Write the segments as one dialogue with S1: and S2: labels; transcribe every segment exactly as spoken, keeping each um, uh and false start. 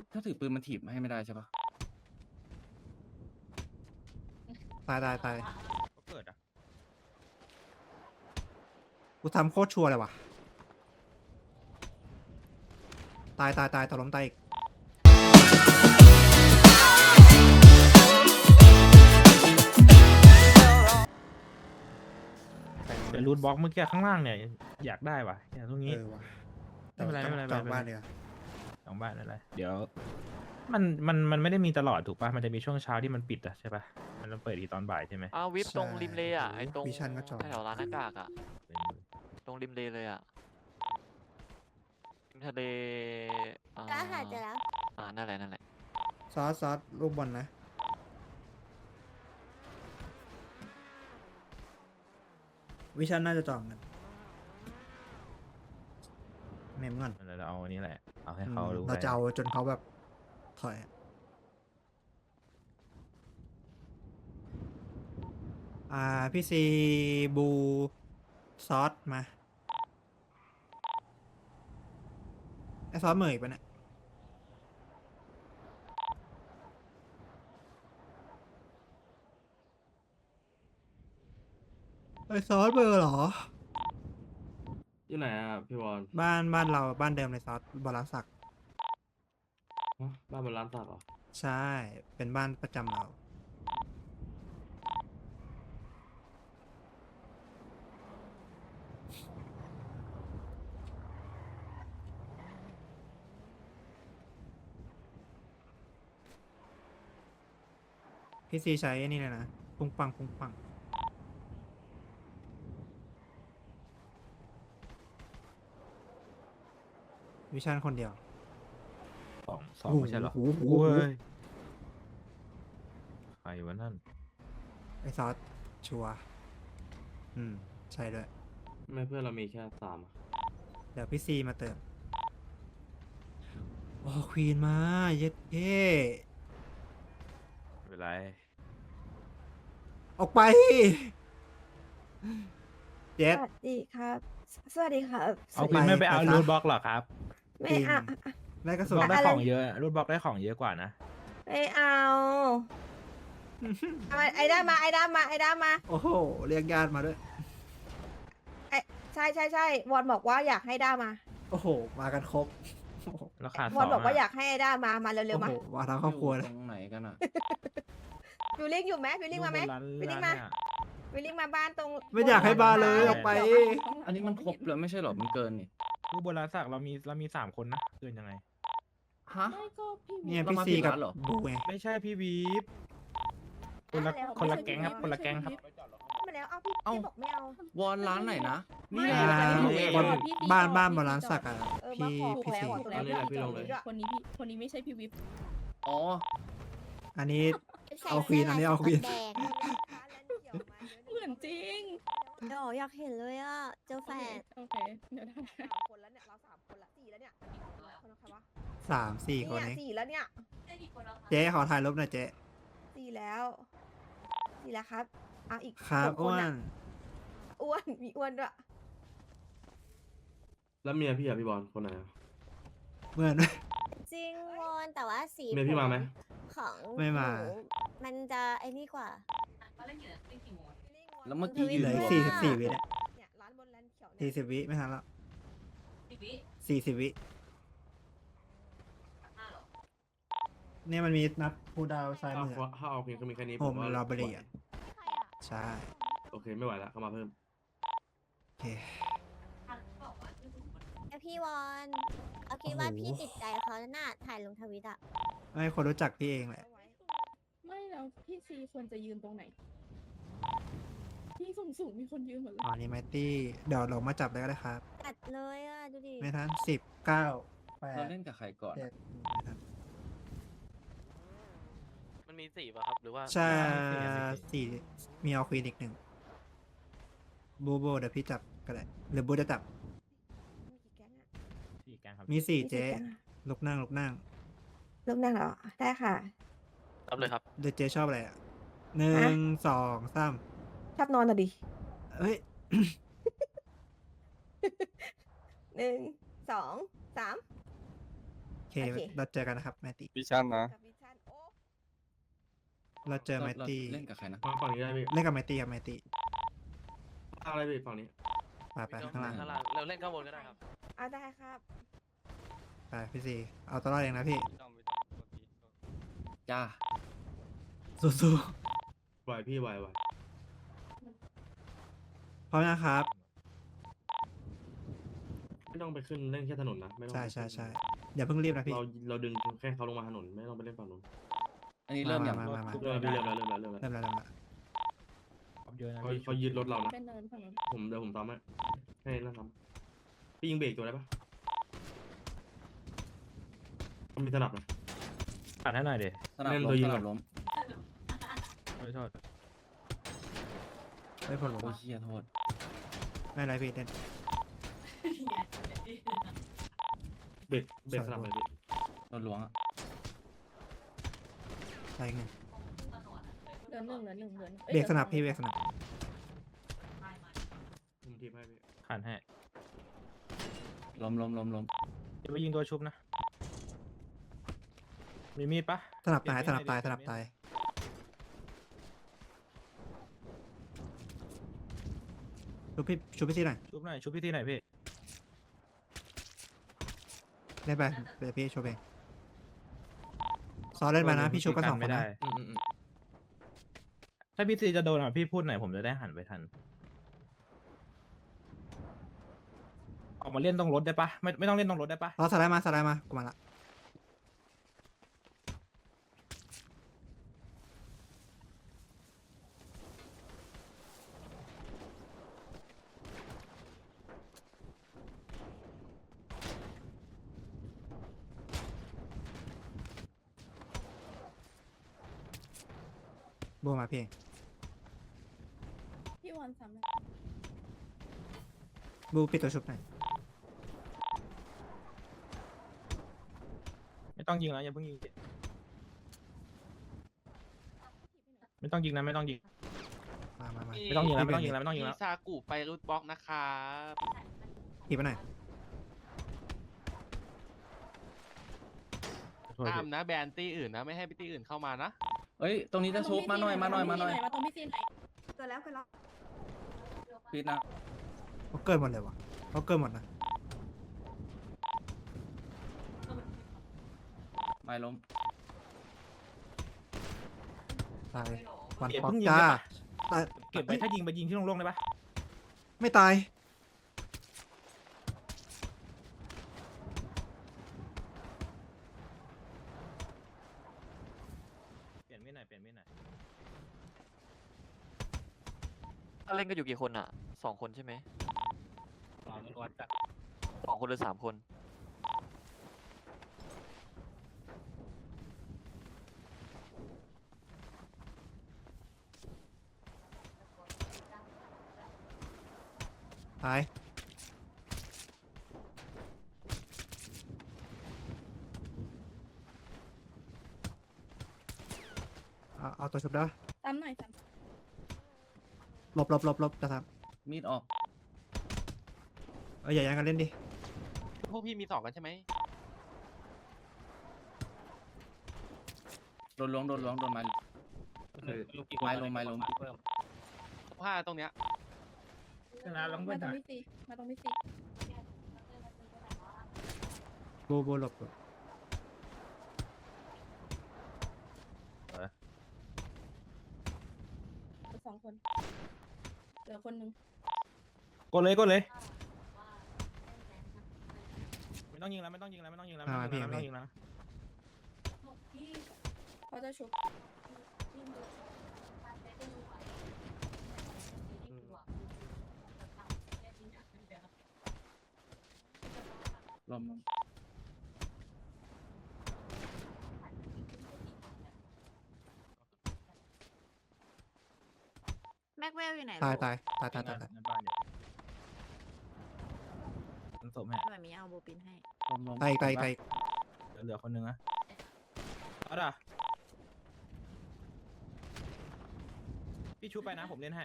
S1: ถ้าถือปืนมันถีบให้ไม่ได้ใช่ปะ
S2: ตายตายตาย
S3: ก็เกิดอ่ะ
S2: กูทำโคตรชัวร์เลยว่ะ ตายตายตายตกล้มตายอีก
S3: แต่รูทบล็อกเมื่อกี้ข้างล่างเนี่ยอยากได้ว่ะอย่างตรงนี้
S2: เออว่ะ
S3: ไม่เป็นไรไม่เป็นไร
S2: จอง
S3: ไม่เป็นไร
S2: บ้านเดียว
S3: สองบ้านอะไรเดี๋ยวมันมันมันไม่ได้มีตลอดถูกป่ะมันจะมีช่วงเช้าที่มันปิดอ่ะใช่ป่ะมันต้องเปิดอีกตอนบ่ายใช่ไหม
S4: อ้าววิปตรงริมเลอ่ะไอตรง
S2: วิชันก็จอง
S4: แถวร้านหน้ากากอ่ะตรงริมเลเลยอ่ะริมทะเลอ่า
S5: ก็หาเจอแล้ว
S4: อ่านั่นแหละนั่นแหละ
S2: ซอสซอสลูกบอลนะ วิชันน่าจะจองกันเมมก่อน
S3: เราเอาอันนี้แหละเอาให้
S2: อืม
S3: เขารู้
S2: เราจะเอาจนเขาแบบถอย อ่า พี่ซีบูซอสมา ไอซอสเหมยปะเนี่ยไอซอสเบอร์เหรอ
S1: อยู่ไหนอ่ะพี่บอล
S2: บ้านบ้านเราบ้านเดิมเลยซอสบอลลังสัก
S1: ฮะบ้านบนร้านสักเหรอ
S2: ใช่ เป็นบ้านประจำเรา พี่ซีใช้นี่เลยนะ ปุ้งปังปุ้งปัง วิชันคนเดียว
S3: สองสองไม่ใช่เหรอ
S2: โอ้โห
S3: โอ้ยใครวะนั่น
S2: ไอซอสชัวร์อืม ใช่ด้วย
S1: ไม่เพื่อนเรามีแค่สามอะ
S2: เดี๋ยวพี่ซีมาเติม โอ้ควีนมาเย็ดเย่
S3: ไม่เป็นไร
S2: ออกไป เจ็
S5: ส
S2: ด
S5: วัสดีครับ สวัสดีครับ
S3: เอาคุณไม่ไปเอา
S2: ไปซะ
S3: รูทบล็อกหรอครับ
S5: ไม่เอา
S2: ได้กระสุ
S3: รูท
S2: น
S3: บล็อกได้
S5: อะไร
S3: ของเยอะรูทบล็อกได้ของเยอะกว่านะ
S5: ไม่เอาเอามาไอ้ด้ามาไอ้ด้ามาไอ้ด้ามา
S2: โอ้โห เรียกญาติมาด้วย
S5: ไอ้ใช่ใช่ใช่วอนบอกว่าอยากให้ด้ามา
S2: โอ้โห มากันครบ โอ้โห
S3: แล้วขาด
S5: ว
S3: ส
S5: อ
S3: อน ง
S5: บอกว่าอ
S3: อะ
S5: ยากให้ไอ้ด้ามามาเร็วๆมา
S2: โอ้โหมาทั้งครอบครัวเลย
S1: ตรงไหนกันอ่ะ
S5: วิลลิ่งอยู่ไหมวิลลิ่งมาไหม
S3: ร้าน
S5: วิลลิ่ง
S3: ร้
S5: มาน
S3: เนี่ย
S5: วิลลิ่งมาบ้านตรง
S2: ไม่อยากให้มาเลยออกไป
S1: อันนี้มันครบแล้วไม่ใช่เหรอมันเกินนี่
S3: รูปบนร้านสักเรามีเรามีสามคนนะเกินยังไง
S1: ฮะ
S6: ไม่ก็พี่
S2: เนี่ย
S1: เรา
S2: พี่
S1: มา
S2: ซี
S1: ผิด
S2: กับ
S1: ร้านเหรอ
S2: บูไง
S3: ไม่ใช่พี่วีฟคนละ
S5: แล้ว
S3: คนละแก๊งครับคนละแก๊งครับ
S5: มาแล้วเอาพี่
S1: เอ้า
S5: พี่บอกไม่เอา
S1: วอนร้านไหนนะ
S6: ไม่
S1: นี่
S2: อ่า
S1: แหละ
S6: ไม่
S1: พี่
S6: ไม่
S1: เอง
S6: พี่
S2: บ้าน
S6: จอด
S2: บ้าน
S6: พี่
S2: บอลลัน
S6: จอด
S2: สักอ่ะ
S5: เออ
S2: พี่
S5: มาขอ
S2: พี่
S5: แล้ว
S2: ซี
S5: ขอ
S6: แล้ว
S1: นี่แหละพี่ลงเลย
S6: คนนี้พี่คนนี้ไม่ใช่พี่วิป
S1: อ๋อ
S2: อันนี้ เอาควีนอันนี้เอาควีน
S5: แดง
S6: เหมือนจริง
S5: เดี๋ยวอยากเห็นเลยอ่ะเจอแฟน
S6: โอเคเดี๋ยวได้
S5: สามคนแล้วเนี่ยเราสามคนละสี่แล้วเนี่ยคนละใครวะ
S2: สามสี่คน
S5: เนี่ย
S2: นี้
S5: สี่แล้วเนี่ย
S2: เจ๊ขอถ่ายรูปหน่อยเจ๊
S5: สี่แล้วสี่แล้วครับเอาอีก
S2: ครับ
S5: หก
S2: อ้ว
S5: ะ
S2: น
S5: อ้วนมีอ้วนด้วย
S1: แล้วเมียพี่อ่ะพี่บอลคนไหนอ่ะ
S2: เหมือน
S5: จริงวอนแต่ว่าสี
S1: เมียพี่มาไหม
S5: ของ
S2: ไม่มา
S5: หนูมันจะไอ้นี่กว่า
S1: แล้วเมื่อกี้ยื
S2: เห
S1: น
S2: ลือ
S1: รวม
S2: สี่สิบสี่วิเนี่ย
S5: เนี่ยร้านบนร้านเขียวเนี่
S2: สี่
S5: ย
S2: สิบวิไม่ทันแล้วสี่สิบวิเนี่ยมันมีนับพูดาวซ้าย
S1: ถ้า
S2: มือ
S1: เอาถ้าเอาเพียงก็มีแค่นี้
S2: โฮม
S1: ว่า
S2: ลาบรีอ่ะ
S5: ใครอ่ะ
S2: ใช่
S1: โอเคไม่ไหวละเข้ามาเพิ่ม
S2: โอเค
S5: ไอพี่วอนเอาคิดว่าพี่ติดใจเขาน่าถ่ายลงทวิตอ่ะ
S2: ไม่คนรู้จักพี่เองแหละ
S6: ไม่แล้วพี่ซีควรจะยืนตรงไหนพี่สูงสูงๆมีคนยืนหมดเลย
S2: อ๋อนี่ไมตี้เดี๋ยวเรามาจับได้ก็ได้ครับ
S5: ตัดเลยอ่ะดูดิ
S2: ไม่ทันสิบเก้าแป
S1: เรา
S2: ด
S1: เล่นกับใครก่อน
S2: เจ็ดไม่ทัน
S4: มันมีสี่ป่ะครับหรือว่า
S2: ใช่สี่มีเอาควีนอีกหนึ่งบูโบเดี๋ยวพี่จับก็ได้หรือบูจะจับ
S5: มีกี่แก๊งอ่ะ
S3: สี่แก๊งครับ
S2: มีสี่
S5: มี
S2: เจ๊
S5: กี่แก๊งอะ
S2: ลุกนั่งลุกนั่ง
S5: ลูกนั่งเหรอได้ค่ะ
S4: รับเลยครับ
S2: เดี๋ยวเจ๊ชอบอะไรอ่ะหนึ่งสองสาม
S5: ชอบนอนอ่ะดิ
S2: เฮ้ย
S5: หนึ่งสองสาม
S2: เคเราเจอกันนะครับแมตตี้
S7: วิชั่นนะ
S6: กับวิชันโอ้
S2: เราเจอแมตตี้
S7: เล่นกับใครนะ
S1: มาฝั่งนี้ได้พี่
S2: เล่นกับแมตตี้ครับแมตตี้
S1: อะไรพี่ฝั่งนี้
S2: ไปไปข้างล่าง
S4: ข้างล่างเราเล่นข้างบนก็ได้ครับ
S6: เอาได้ครับ
S2: ไปพี่ซีเอาตัวรอดเองนะพี่
S7: จ้า
S2: สู้
S1: ไหวพี่ไหวไหว
S2: ๆพร้อมนะครับ
S1: ไม่ต้องไปขึ้นเล่นแค่ถนนนะไม่ต้อง
S2: ใช่
S1: ไป
S2: ใช่
S1: ขึ้น
S2: ใช่อย่าเพิ่งรีบนะพี่
S1: เราเราดึงแค่เขาลงมาถนนไม่ต้องไปเล่นฝั่งนู้น
S7: อันนี้เริ่มอย่าง
S2: มามามา
S1: เริ่มแล้วพี่เริ่มแล้วเริ่มแล้วเริ่มแล้ว
S2: เริ่มแล้วเริ่มแล้ว
S3: ครับเยอะนะ
S1: เขา
S3: พี่
S1: เขายึดรถเรานะ
S6: เป็นเนินฝั่งนู้น
S1: ผมเดี๋ยวผมทำให้ให้นั่นทำพี่ยิงเบรกตัวได้ปะมีสนับนะ
S3: ปัดให้หน่อยเดี๋ยว
S7: สนับ
S1: เล่น
S7: ล้
S1: ตัว
S7: ม
S1: ยิ
S7: ส
S1: ง
S7: นับ
S1: ก่อน
S7: ล้ม
S3: ไม่โทษ
S2: ไม่ผลหร
S7: โอ้
S2: อก
S7: ยเฮียโทษ
S2: ไม่เป็นไรพี่เล่น
S1: เบรกเบรกสนับเลยพี่
S7: โดนหลวงอะ
S2: อะไรเงี้ย
S6: เหลือหนึ่งเหลือหนึ่งเหลือหนึ่งอ้ย
S2: เบรกสนับ
S6: ห
S2: พี่
S6: ลื
S2: เบร
S6: อก
S2: สนับ
S1: ผมทีมให้พี่
S3: ขันให้
S7: ล้มล้มล้มล้ม
S3: จะไปยิงตัวชุบนะมีมีดปะ
S2: สนับตายสนับตายสนับตายชุบพี่ชุบพี่ซีหน่อย
S3: ชุบหน่อยชุบพี่ที่ไหนพี่
S2: เล่นไปเดี๋ยวพี่ชุบเองซอเล่นไปนะพี่ชุบกันสองค
S3: ไม่
S2: น
S3: ได้
S2: นะ
S1: อืมอืมอืม
S3: ถ้าพี่ซีจะโดนอ่ะพี่พูดหน่อยผมจะได้หันไปทัน ออกมาเล่นตรงรถได้ปะไม่ไม่ต้องเล่นตรงรถได้ปะ
S2: รอสไลด์มาสไลด์มากูมาละโบมาพี่เอง
S6: พี่วันซ้ำเลย
S2: บูปิดตัวชุบหน่อย
S3: ไม่ต้องยิงนะอย่าเพิ่งยิงไม่ต้องยิงนะไม่ต้องยิง
S2: มามามา
S3: ไม่ต้องยิงแล้วไม่ต้องยิงแล้วไม่ต้องยิงแล้ว
S4: ซากุไปรูทบล็อกนะครับ
S2: ถีบไปหน่อย
S3: โทษ
S4: ห้าม
S3: พี่
S4: นะแบนตี้อื่นนะไม่ให้ตี้อื่นเข้ามานะ
S7: เอ้ยตรงนี้จะชุบมาหน่อยมาหน่อยมาหน่อย
S6: มาตรงพี่ซีหน่อย
S5: เกิดแล้วเกิดแล้ว
S7: ปิดนะ
S2: เขาเกินหมดเลยวะเขาเกินหมดนะ
S7: ไม่ล้ม
S2: ตายวัน
S3: เก็บ
S2: ป๊อก
S3: เพิ่งยิง
S2: จ้า
S3: ได้ปะ
S2: ตาย
S3: เก็บไว้ถ้ายิงไปยิงที่โล่งๆได้ปะ
S2: ไม่ตาย
S3: เปลี่ยนไม่ไหนอยเปลี่ยนไม่ไหนอย
S4: เล่นกันอยู่กี่คนอ่ะสองคนใช่ไหมสองคนหรือสามคน
S2: ตายเอาเอาตัวชุบได้ปะ
S6: ซ้ำหน่อยซ้
S2: หลบหลบหลบหลบจะท
S7: มีดออก
S2: ำเอออย่าแย่งกันเล่นดิ
S4: พวกพี่มีสองกันใช่ไหม
S7: โดนล้วงโดนล้วงโดนไม้ไม้ล้มไม้ล้ม
S4: ผ้าตรงเนี้ย
S3: ชนะแล้ว
S6: ำ
S3: เพื่
S6: มา
S3: อน
S6: ตรง
S3: หน่อย
S6: พี่ซีมาตรงพี่ซี
S2: โบโบหลบหลบ
S6: เหลือสองคนเหลือคนหนึ่ง
S3: กดเลยกดเลย ไม่ต้องยิงแล้วไม่ต้องยิงแล้วไม่ต้องยิงแล้วไม่ต้องยิงแล้วไม่ต้องยิงแล้ว
S6: เขาจะชุบ
S7: ล้ม
S5: แม็กเวลอยู่ไหน
S2: ตายตายตายตายตายตาย
S3: ในบ้านอยู่มันศพแม่
S5: หน่อยมีเอาโบปินให้
S7: ล้มล้ม
S2: ตายอีกตายอีกตายอีก
S3: เหลือคนนึงนะเอาด่ะพี่ชูไปนะผมเล่นให้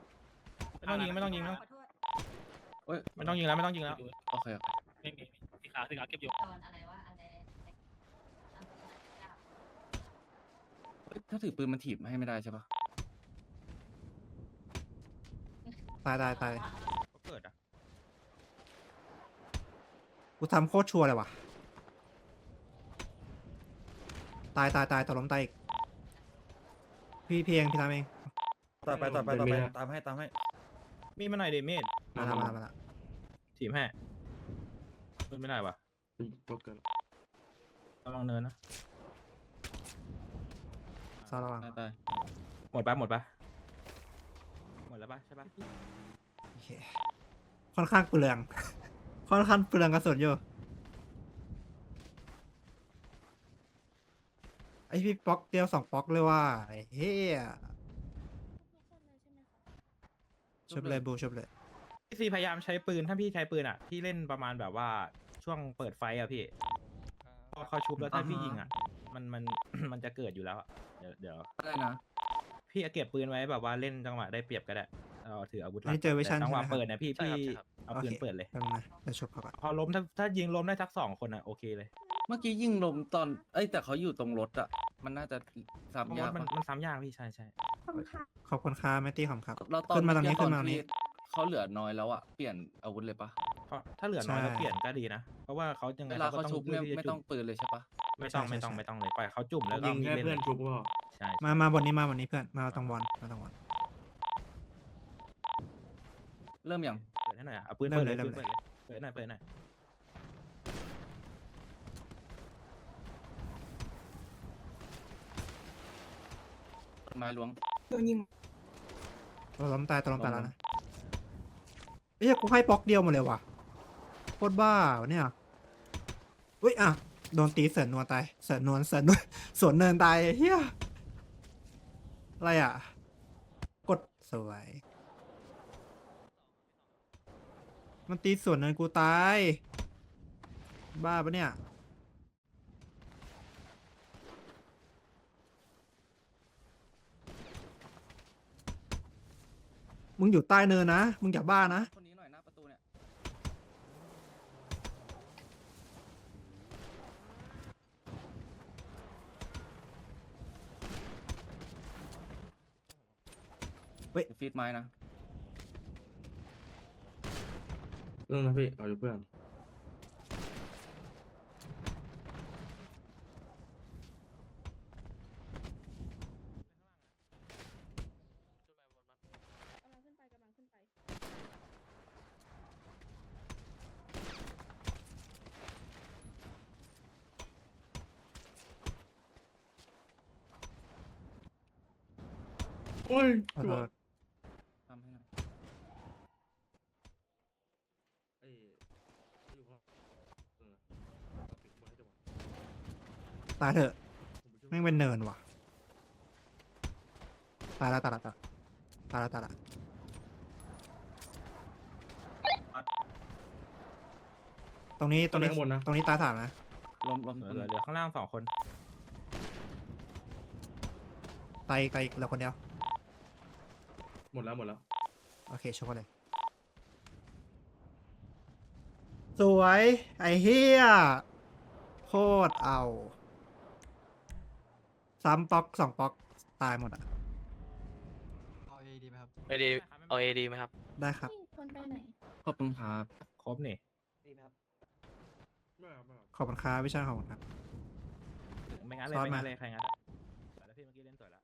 S3: ไม่ต้องยิงไม่ต้องยิงนะ
S7: เอ้ย
S3: ไม่ต้องยิงแล้วไม่ต้องยิงแล้ว
S7: โอเคโอเค
S3: ไม่มีมีใคร
S8: อ่าถึงเอาเก็บอยู่
S7: เอ้ยถ้าถือปืนมันถีบให้ไม่ได้ใช่ปะ
S2: ตายตายตาย
S3: ก็เกิดอ่ะ
S2: กูทำโคตรชัวร์เลยว่ะ ตายตายตายต่อล้มตายอีก พี่เพียงพี่ทำเอง
S9: ต่อไปต่อไปต่อไปตามให้ตามให้
S3: มีมาหน่อยเดเมจ
S2: มาแล้วมาแล้วมาแล้ว
S3: ทีมแห่ขึ้นไม่ได้วะ
S1: โป๊กเกอร์
S3: ระวังเนินนะ
S2: ซอระวัง
S7: ตายตาย
S3: หมดปะหมดปะหมดแล้วปะใช่ปะ
S2: โอเค ค่อนข้างเปลือง ค่อนข้างเปลืองกระสุนอยู่ ไอพี่ป๊อกเดียวสองป๊อกเลยว่าไอ้เฮีย
S6: ทุกคนเลยใช่ไหมคะ
S2: ชุบเลยบูชุบเลย
S3: พี่ซีพยายามใช้ปืนถ้าพี่ใช้ปืนอ่ะพี่เล่นประมาณแบบว่าช่วงเปิดไฟอ่ะพี่พอเขาชุบแล้วถ้าพี่ยิงอ่ะ มันมัน มันจะเกิดอยู่แล้วอะเดี๋ยวเดี๋ยว
S7: อะไรนะ
S3: พี่เอาเก็บปืนไว้แบบว่าเล่นจังหวะได้เปรียบก็ได้เราถืออาวุธหลั
S2: นี่เจอ vision
S3: แต่จังหวะ
S2: ใช่ไหมครับ
S3: เปิดเนี่ยพี่
S4: ใช่
S3: พี่
S4: ครับใช่ครับ
S3: เอาปืน
S2: โอเค
S3: เปิดเลย
S2: แป๊บนึงนะเดี๋ยวชุบเขาก่อน
S3: พอล้มถ้าถ้ายิงล้มได้ทักสองคนอ่ะโอเคเลย
S7: เมื่อกี้ยิงลมตอน เอ้ยแต่เขาอยู่ตรงรถอะมันน่าจะ
S3: เพราะ
S7: ซ้ำยาก
S3: มัน
S7: ปะ
S3: มันซ้ำยากพี่ใช่ใช่
S6: ขอบคุณค่ะ
S2: ขอบคุณค่าแมตตี้ขอบคุณครับ
S7: เราตอน
S2: ขึ้นมาตรงนี้
S7: เอกี้
S2: ขึ้นมาตรงนี้
S7: ที่เขาเหลือน้อยแล้วอะเปลี่ยนอาวุธเลยปะ
S3: เพราะถ้าเหลือน้อย
S2: ใช่
S3: แล้วเปลี่ยนก็ดีนะ เพราะว่าเขายังไง
S7: เวลา
S3: เขาก็
S7: เขา
S3: ต้อง
S7: ชุบเนี่ย
S3: ลืกที่จะ
S7: ไม่
S3: จุ่
S7: ต้องปืนเลยใช่ปะ
S3: ไม่ต้อง
S2: ใช่
S3: ไม่ต้อง
S2: ใช่
S3: ไม่ต้องเลยปล่อยเขาจุ่มแล้วก็
S1: ยิง
S3: มี
S1: แค่
S3: เล่น
S1: เพื่อน
S3: เลย
S1: ชุบว่า
S3: ใช่
S2: มามาบนนี้มาบนนี้เพื่อน มาตรงบอลมาตรงบอล
S7: เริ่มยัง
S3: เปิดให้หน่อยอะเอาปืน
S2: เริ่
S3: เปิ
S2: ม
S3: ดเลย
S2: เลย
S3: ปืน
S2: เริ่
S3: เปิด
S2: ม
S3: เลยเปิดหน่อยเปิดหน่อย
S7: ไม้ล้วง
S2: เราล้มตายตัวล้มตายแล้วนะเอ้ยกูให้ป๊อกเดียวหมดเลยว่ะโคตรบ้าวะเนี่ยอุ้ยอ่ะโดนตีเสือนนวลตายเสือนนวลเสือนนวล สวนเนินตายเฮียอะไรอ่ะ กดสวย มันตีสวนเนินกูตาย บ้าปะเนี่ย มึงอยู่ใต้เนินนะ มึงอย่าบ้านะ
S7: คนนี้หน่อยหน้าประตูเนี่ย
S2: เฮ้ย
S7: ฟีดไม้นะ
S1: เรื่องนะพี่เอาอยู่เพื่อน
S6: กำลังขึ้นไปกำลังขึ้นไป
S1: โอ้ย
S2: ขอโทษ
S7: ทำให้หน่อย
S1: เอ้ยอยู่ข้างเออปิดไว้ให้จังหวะ
S2: ตายเถอะ
S1: ผมไปช่วย
S2: แม่งเป็นเนินว่ะ ตายแล้วตายแล้วตายแล้วตายแล้วตายแล้วตรงนี้ตรงนี้
S1: ข้างบนนะ
S2: ตรงนี้ตายสามนะ
S7: ล้มล้ม
S3: เหลือเหลือเหลือข้างล่างสองคน
S2: ตายอีกตายอีกเหลือคนเดียว
S1: หมดแล้วหมดแล้ว
S2: โอเคชกกันเลย สวย ไอ้เฮียโคตรเอาซ้ำป๊อกสองป๊อก ตายหมดอ่ะ
S4: เอาเอดีไหมครับเอดีเอาเอดีไหมครับ
S2: ได้ครับ
S6: นี่คนไปไหน
S7: ขอบคุณครับ
S3: ครบนี่
S1: ไม่เอาไม่เอา
S2: ขอบคุณครับพี่ชายขอบคุณครับ
S3: ไม่งั้นเลย
S2: ซ้อน
S3: ไม่งั้
S2: มา
S3: นเลยใครงั้นอะสวยแล้วพี่เมื่อกี้เล่นสวยแล้ว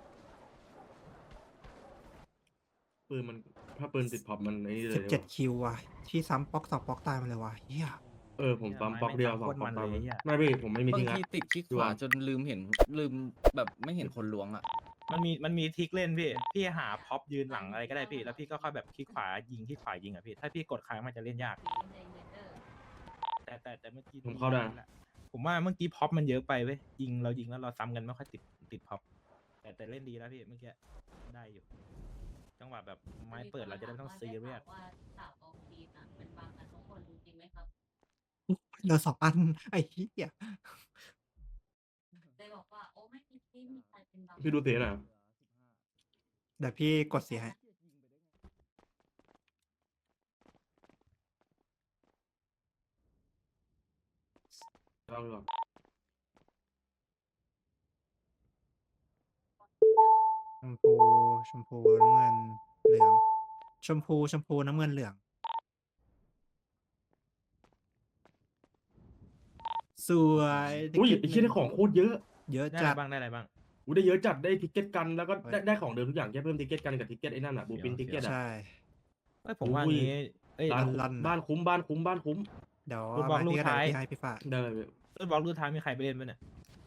S1: ปืนมันถ้าปืนติดพ็อปมันไอ้นี่เลย
S2: สิบเจ็ดคิวว่ะ ที่ซ้ำป๊อกสองป๊อกตายมาเลยว่ะเฮีย
S1: เออผมปั๊มบล็อกเดียวสอง
S3: โคตร
S1: ป๊อ
S3: มั
S1: ก
S3: น
S1: ตาม
S3: เลยไอ้เหี้ย
S1: ไม่พี่ผมไม่มี
S7: บาง
S1: ทิ้งละ
S7: ทีติดคลิก
S1: ดู
S7: ขวา
S1: อ่ะ
S7: จนลืมเห็นลืมแบบไม่เห็นคนล้วงอะ
S3: มันมีมันมีทริกเล่นพี่ พี่หาพ็อปยืนหลังอะไรก็ได้พี่ แล้วพี่ก็ค่อยแบบคลิกขวายิงคลิกขวายิงอ่ะพี่ ถ้าพี่กดค้างมันจะเล่นยาก แต่แต่แต่เมื่อกี้
S1: ผมเข้าได้
S3: แหละผมว่าเมื่อกี้พ็อปมันเยอะไปเว้ยยิงเรายิงแล้วเราซ้ำกันไม่ค่อยติดติดพ็อปแต่แต่เล่นดีแล้วพี่เมื่อกี้ได้อยู่ จังหวะแบบไม้เปิดเราจะได้ไม่ต้องซีเรียส
S2: เหลือสองอัน ไอ้เฮีย
S1: พี่ดูเสียหน่อย
S2: เดี๋ยวพี่กดเสียให้
S1: ลองดูก่อน
S2: ชมพูชมพูน้ำเงินเหลือง ชมพูชมพูน้ำเงินเหลือง สวย
S1: อุ้ย
S2: ติ๊ก
S1: ไอ้
S2: เก็ต
S1: เชี่ยได้ของโคตรเยอะ
S2: เยอะ
S3: ได้
S2: จั
S3: อะไร
S2: ด
S3: บ้างได้อะไรบ้าง
S1: อูได้เยอะจัดได้ทิกเก็ตกันแล้วก็ได้
S2: เฮ้ย
S1: ได้ของเดิมทุกอย่างแค่เพิ่มทิกเก็ตกันกับทิกเก็ตไอ้นั่นอ่ะบูปินทิกเก็ตอ่ะ
S2: ใช่
S3: เอ้ยผมว่า
S1: อุ้ย
S3: งี้เอ้ย
S1: บ้าน
S2: ลั่นๆ
S1: บ้านคุ้มบ้านคุ้มบ้านคุ้ม
S2: เดี๋ยว
S3: ลูก
S2: เอา
S3: บอล
S2: มา
S3: ลูก
S2: พี่ก็ได้
S3: ท้าย
S2: พี่ให้พี่ฝาก
S1: ได้
S3: ต้นบอลรุ่นท้ายมีใครไปเล่นบ้างเนี่ย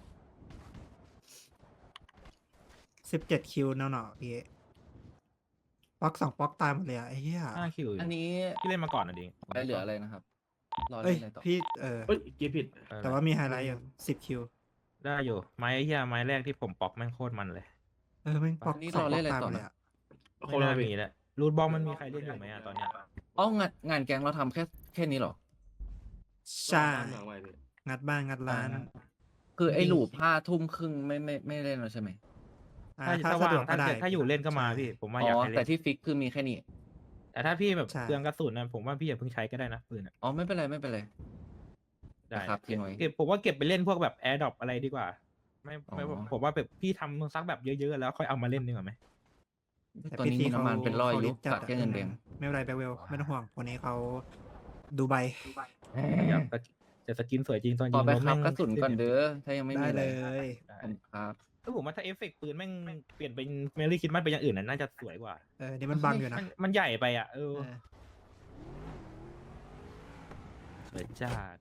S2: สิบเจ็ดคิวเนาะๆพี่ป๊อกสองป๊อกตายหมดเลยอะไอ้เหี้ย
S3: ห้าคิว
S7: อันนี้
S3: พี่เล่นมาก่อนนะดิ
S7: ไปเหลืออะไรนะครับ รอ
S2: เอ้
S7: เล่
S2: ย
S7: นอะไรต่อ
S2: พี่เออ
S1: เอ้ยเกียร์ผิด
S3: เออ
S2: แต่ว่ามีไฮไลท์อยู่สิบคิว
S3: ได้อยู่ไม้ไอ้เหี้ยไม้แรกที่ผมปอกแม่งโคตรมันเลย
S2: เออแม่งป๊อก
S7: นี่
S2: สอง
S7: เรา
S2: ป๊
S7: เล่
S2: อก
S7: นอะไร
S2: ตายห
S7: ต่
S2: ม
S7: อ
S2: ดเลย
S7: นะ
S2: อะ
S1: เขา
S3: ไม่
S1: เรา
S3: น่า
S1: ไป
S3: มีแล้วรูทบอลมันมีใครเล่นอยู่ไหมอะตอนเนี้ย
S7: อ๋องานงานแก๊งเราทำแค่แค่นี้เหรอ
S2: ใช่
S1: บ้านหลังไว้พี่
S2: งัดบ้านงัดร้าน
S7: คือไอ้หลูปห้าทุ่มครึ่งไม่ไม่ไม่เล่นแล้วใช่ไหม
S2: อ่า
S3: ถ้า
S2: ถ้า
S3: ถ้า
S2: สะ
S3: ว่าง
S2: ดวกก็
S3: ถ้า
S2: ได้
S3: ถ้าอยู่เล่นก็มาพี่ ผมว่าอยาก
S7: อ๋อ
S3: ให้
S7: แต่
S3: เล่น
S7: ที่ฟิกคือมีแค่นี้
S3: แต่ถ้าพี่แบบ
S2: ใช่
S3: เปลืองกระสุนนะผมว่าพี่อย่าเพิ่งใช้ก็ได้นะปืนอะ
S7: อ๋อไม่เป็นไรไม่เป็นไร
S3: ได้
S7: นะครับทิ้งไว้
S3: เก็บผมว่าเก็บไปเล่นพวกแบบแอร์ดรอปอะไรดีกว่า ไม่ไม่
S7: อ๋อ
S3: ผมว่าแบบพี่ทำซักแบบเยอะๆแล้วค่อยเอามาเล่นดีกว่าไหม
S2: แต่
S7: ตอน
S2: พี่
S7: นี้
S2: ที
S7: มีน้ำมันเป็นร้อย
S2: ขา
S7: ยุ
S2: จั
S7: กัดแค่เงินแดง
S2: ไม่เป็นไรแบคเวลไม่ต้องห่วงคนนี้เขาดูใบ
S3: อยากจะสกินสวยจริงตอน
S7: ข
S3: ยิ
S7: อง ไป
S3: แล้ว
S7: ครั
S3: แม่
S7: บ
S3: ง
S7: กระสุนก่อนเด้อถ้ายังไม่
S2: ได้
S7: มีอะไร
S2: เลย
S3: ได้
S7: ผมครับ
S3: เออผมว่าถ้าเอฟเฟกต์ปืนแม่งเปลี่ยนเป็นเมลี่คิดมันเป็นอย่างอื่นน่ะน่าจะสวยกว่า
S2: เออนี่มันบังอยู่นะ
S3: มันมันใหญ่ไปอ่ะเออ
S2: เออ
S3: สวยจัด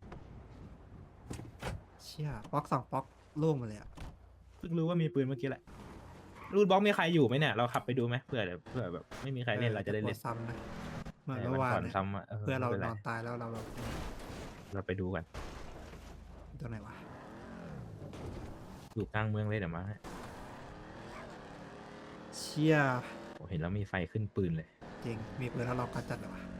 S2: เชี่ยป๊อกสองป๊อกล่วงหมดเลยอะ
S3: เพิ่งรู้ว่ามีปืนเมื่อกี้แหละรูดบล็อกมีใครอยู่ไหมเนี่ยเราขับไปดูไหมเผื่อเดี๋ยวเผื่อแบบไม่มีใครเล่นเราจะได้เล่น
S2: กลัวซ้ำนะเหมือน
S3: แต่
S2: เมื่อวาน
S3: ก่อน
S2: เนี่ย
S3: ซ้ำอ่ะ
S2: เพื่อเรา
S3: ไม่ป็น
S2: น
S3: ไร
S2: อนตายแล้วเราเรา
S3: เราไปดูกัน
S2: ตัวไหนวะ
S3: อยู่กลางเมืองเลยเดี๋ยวมาให้
S2: เชี่ย
S3: โอ้เห็นแล้วมีไฟขึ้นปืนเลย
S2: จริงมีปืนแล้วเราก็จัดเลยวะ